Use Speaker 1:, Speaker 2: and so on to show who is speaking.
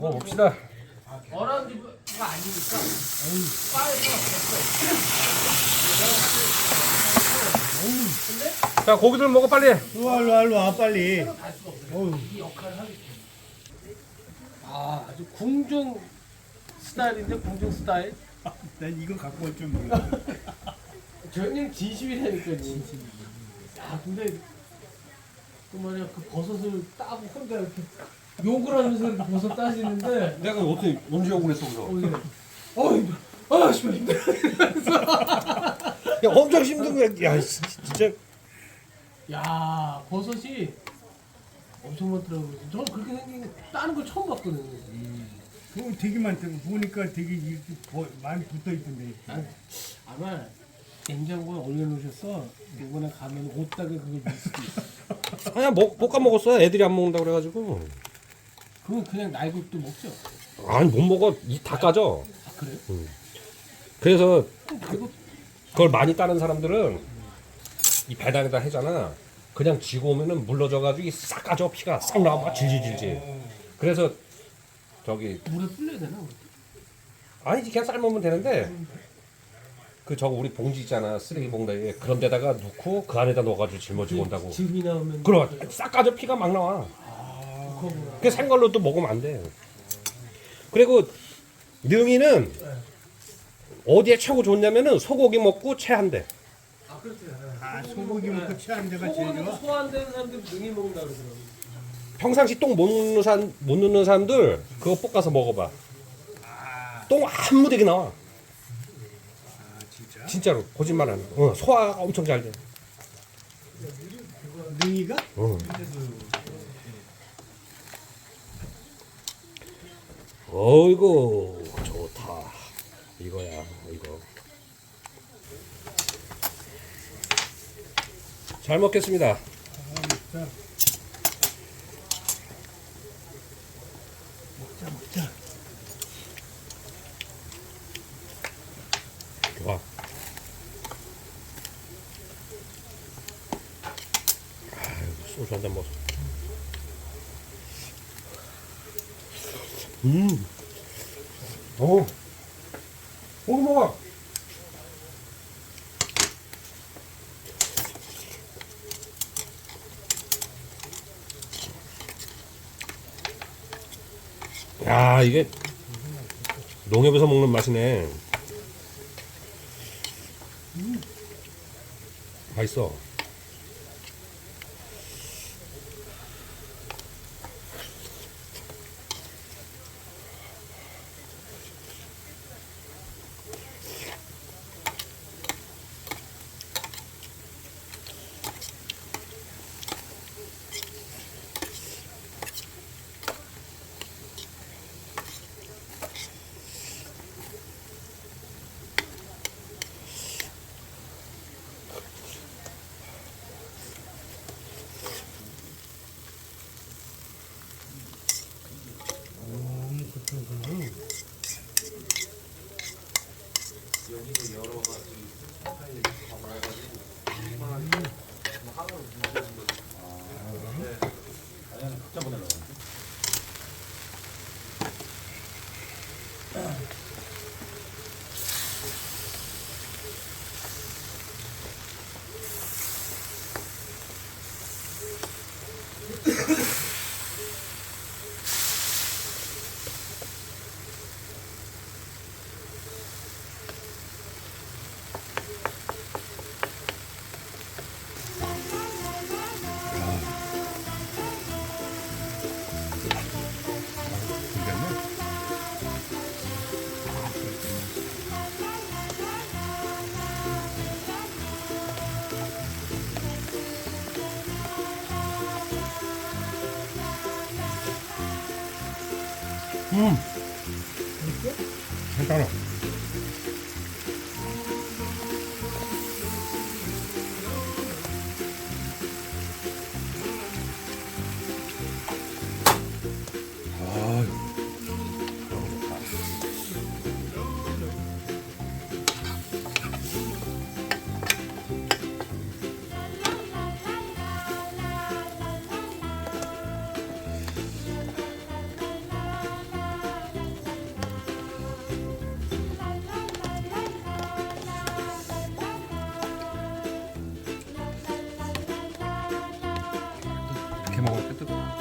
Speaker 1: 먹어봅시다.
Speaker 2: 어라운드가 아니니까 바에서 됐어.
Speaker 1: 자, 고기들 먹어 빨리.
Speaker 3: 일로 와 빨리.
Speaker 2: 갈 수가 없어. 이 역할을 하기 때문에. 아, 아주 궁중 스타일인데 궁중 스타일.
Speaker 3: 난 이거 갖고 올 줄 몰라.
Speaker 2: 저 형님 진심이라니까요. 진심. 야, 근데 그 말이야 그 버섯을 따고 혼자 이렇게 욕을 하면서 이렇게 버섯 따시는데.
Speaker 1: 내가 어떻게 언제 욕을 했어 그래서?
Speaker 2: 힘들어. 아, 씨발 힘들어.
Speaker 1: 야, 엄청 힘든 거야. 야, 진짜.
Speaker 2: 야, 버섯이 엄청 많더라고요. 저는 그렇게 생긴 거 따는 걸 처음 봤거든요.
Speaker 3: 그거 되게 많더라고. 보니까 되게 이렇게 많이 붙어 있던데.
Speaker 2: 아마 냉장고에 올려놓으셔서 이번에 가면 옷다가 그걸 넣을 수도 있어.
Speaker 1: 아니야, 못 까먹었어. 애들이 안 먹는다 그래가지고.
Speaker 2: 그건 그냥 날것도 먹죠.
Speaker 1: 아니, 못 먹어. 다 까져.
Speaker 2: 아, 그래요?
Speaker 1: 그래서
Speaker 2: 그거
Speaker 1: 그걸 많이 따는 사람들은 이 배당에다 해잖아. 그냥 쥐고 오면은 물러져가지고 싹 까져. 피가 싹 나와. 막 질질질질. 그래서 저기
Speaker 2: 물에 불려야 되나?
Speaker 1: 아니지, 그냥 삶으면 되는데 그 저거 우리 봉지 있잖아, 쓰레기 봉다에 그런 데다가 넣고 그 안에다 넣어가지고 짊어지고 온다고.
Speaker 2: 즙이 나오면
Speaker 1: 그럼 싹 까져. 피가 막 나와.
Speaker 2: 그거구나.
Speaker 1: 그 생걸로 또 먹으면 안 돼. 그리고 능이는 어디에 최고 좋냐면은 소고기 먹고 체한대.
Speaker 2: 아, 그렇죠.
Speaker 3: 아 소고기 먹고 취하는 데가 제일
Speaker 2: 소고기
Speaker 3: 좋아.
Speaker 2: 소화 안 되는 사람들 능이 먹는다 그러더라고.
Speaker 1: 평상시 똥 못 넣는 사람들 그거 볶아서 먹어봐. 똥 한 무더기 나와.
Speaker 3: 아 진짜?
Speaker 1: 진짜로 거짓말 안 해. 소화가 엄청 잘 돼.
Speaker 3: 능이가?
Speaker 1: 어이구 좋다. 이거야 이거. 잘 먹겠습니다.
Speaker 3: 자, 먹자.
Speaker 1: 좋아. 아유, 소주 한잔 먹어. 고기 먹어. 야, 이게 농협에서 먹는 맛이네. 맛있어. 괜찮아. 또